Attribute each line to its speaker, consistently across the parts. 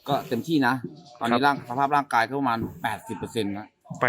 Speaker 1: ก็เต็มที่นะตอนนี้สภาพร่างกายก็ประมาณ 80%นะ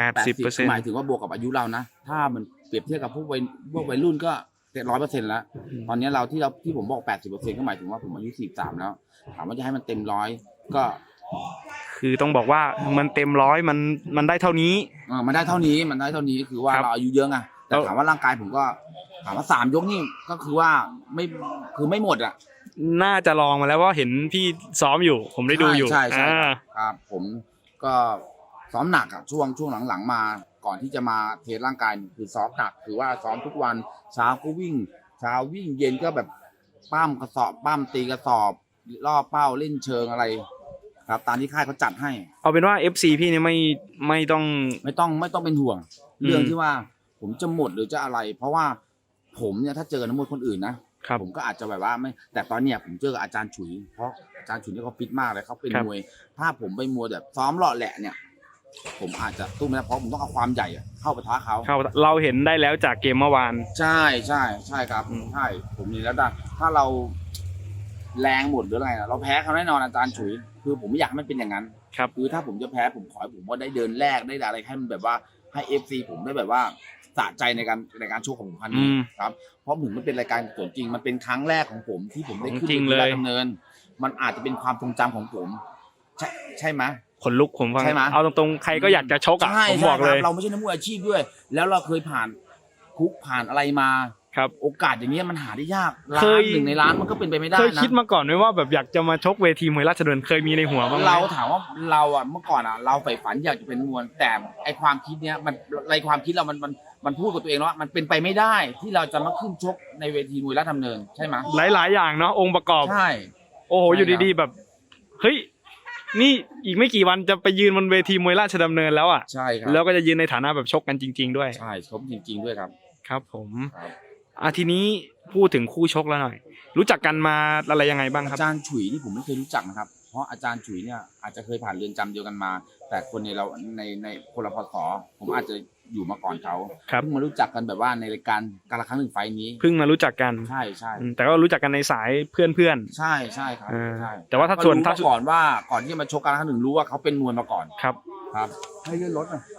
Speaker 2: 80%
Speaker 1: หมายถึงว่าบวกกับอายุเรานะถ้ามันเปรียบเทียบกับพวกวัยรุ่นก็100%แล้วตอนนี้ที่ผมบอก 80% ก็หมายถึงว่าผมอายุ43แล้วถามว่าจะให้มันเต็ม100ก็
Speaker 2: คือต้องบอกว่ามันเต็ม100มันได้เท่านี้
Speaker 1: มันได้เท่านี้คือว่าเราอายุเยอะไงแต่ถามว่าร่างกายผมก็ถามว่า3 ยกนี่ก็คือว่าไม่หมดอ่ะ
Speaker 2: น่าจะลองมาแล้วว่าเห็นพี่ซ้อมอยู่ผมได้ดูอยู่
Speaker 1: ใช่ครับผมก็ซ้อมหนักอ่ะช่วงหลังๆมาก่อนที่จะมาเทสร่างกายคือซ้อมหนักคือว่าซ้อมทุกวันเช้าก็วิ่งเย็นก็แบบปั้มกระสอบปั้มตีกระสอบล่อเป้าเล่นเชิงอะไรครับตามที่ค่ายเขาจัดให้
Speaker 2: เอาเป็นว่า FC พี่เนี่ยไม่ต้อง
Speaker 1: เป็นห่วงเรื่องที่ว่าผมจะหมดหรือจะอะไรเพราะว่าผมเนี่ยถ้าเจอนักมวยคนอื่นนะผมก็อาจจะแบบว่าไม่แต่ตอนเนี้ยผมเจอกับอาจารย์ฉุยเพราะอาจารย์ฉุยเนี่ยเขาฟิตมากเลยเขาเป็นมวยถ้าผมไปมัวแบบซ้อมหล่อแหละเนี่ยผมอาจจะตู้ไม่ได้เพราะผมต้องเอาความใหญ่เข้าปะทะเขา
Speaker 2: เราเห็นได้แล้วจากเกมเมื่อวาน
Speaker 1: ใช่ครับใช่ผมนี่แล้วถ้าเราแรงหมดหรืออะไรนะเราแพ้เขาแน่นอนอาจารย์ฉุยคือผมไม่อยากให้มันเป็นอย่างนั้นคือถ้าผมจะแพ้ผมขอให้ผมว่าได้เดินแรกได้อะไรให้มันแบบว่าให้ FC ผมได้แบบว่าสะใจในการโชว์ของผมพันนี้ครับเพราะผมมันเป็นรายการส่วนจริงมันเป็นครั้งแรกของผมที่ผมได้ขึ้นไปดำเนินมันอาจจะเป็นความทรงจำของผมใช่ไหม
Speaker 2: ขนลุกผมฟังเอาตรงๆใครก็อยากจะชกอ่ะผมบอกเลย
Speaker 1: เราไม่ใช่นักมวยอาชีพด้วยแล้วเราเคยผ่านคุกผ่านอะไรมาโอกาสอย่างนี้มันหาได้ยาก1 ในล้านมันก็เป็นไปไม่ได้นะ
Speaker 2: เคยคิดมาก่อนไหมว่าแบบอยากจะมาชกเวทีมวยราชดำเนินเคยมีในหัวบ้างไหม
Speaker 1: เราถามว่าเราอ่ะเมื่อก่อนอ่ะเราใฝ่ฝันอยากจะเป็นมวยแต่ไอความคิดเนี้ยในความคิดเรามันพูดกับตัวเองว่ามันเป็นไปไม่ได้ที่เราจะมาขึ้นชกในเวทีมวยราชดำเนินใช่ไหม
Speaker 2: หลายอย่างเนาะองค์ประกอบ
Speaker 1: ใช่
Speaker 2: โอ้โหอยู่ดีๆแบบเฮ้ยนี่อีกไม่กี่วันจะไปยืนบนเวทีมวยราชดำเนินแล้วอ่ะ
Speaker 1: ใช่ครับ
Speaker 2: แล้วก็จะยืนในฐานะแบบชกกันจริงๆด้วย
Speaker 1: ใช่ชกจริงๆด้วยครับ
Speaker 2: ครับผมทีนี้พูดถึงคู่ชกแล้วหน่อยรู้จักกันมาอะไรยังไงบ้างครับ
Speaker 1: อาจารย์ฉุยนี่ผมไม่เคยรู้จักนะครับเพราะอาจารย์ฉุยเนี่ยอาจจะเคยผ่านเรือนจำเดียวกันมาแต่คนในคนละพศผมอาจจะอยู่มาก่อนเขาเพิ่งมารู้จักกันแบบว่าในรายการการละครั้งหนึ่งไฟนี้
Speaker 2: เพิ่งมารู้จักกัน
Speaker 1: ใช่
Speaker 2: แต่ก็รู้จักกันในสายเพื่อน
Speaker 1: ใช่ครับใช่
Speaker 2: แต่ว่าถ้า
Speaker 1: ก่อนที่จะมาชกการละครั้งหนึ่งรู้ว่าเขาเป็นมวยมาก่อน
Speaker 2: ครับ
Speaker 1: ให้เลื่อนรถหน่อย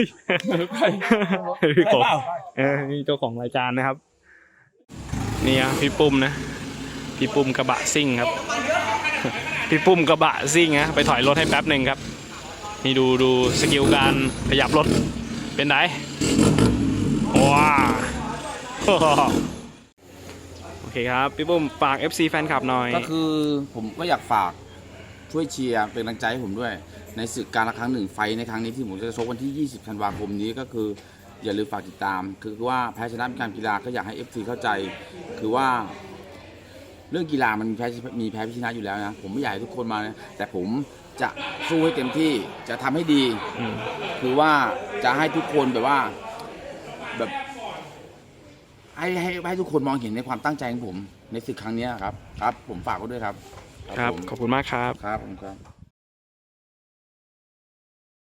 Speaker 2: พี่ผมนี่เจ้าของรายการนะครับนี่พี่ปุ้มนะพี่ปุ้มกระบะซิ่งครับพี่ปุ้มกระบะซิ่งนะไปถอยรถให้แป๊บหนึ่งครับนี่ดูสกิลการขยับรถเป็นไงว้าโอเคครับพี่ปุ้มฝาก FC แฟนคลับหน่อย
Speaker 1: ก็คือผมก็อยากฝากช่วยเชียร์เป็นกำลังใจให้ผมด้วยในศึกการละครั้งหนึ่งไฟในครั้งนี้ที่ผมจะชกวันที่20 ธันวาคมนี้ก็คืออย่าลืมฝากติดตามคือว่าแพ้ชนะเป็นการกีฬาก็อยากให้ FC เข้าใจคือว่าเรื่องกีฬามันมีแพ้ชนะอยู่แล้วนะผมไม่อยากให้ทุกคนมานะแต่ผมจะสู้ให้เต็มที่จะทำให้ดีคือว่าจะให้ทุกคนแบบว่าแบบให้ทุกคนมองเห็นในความตั้งใจของผมในศึกครั้งนี้ครับผมฝากไว้ด้วยครับ
Speaker 2: ขอบคุณมากครับ
Speaker 1: ครับ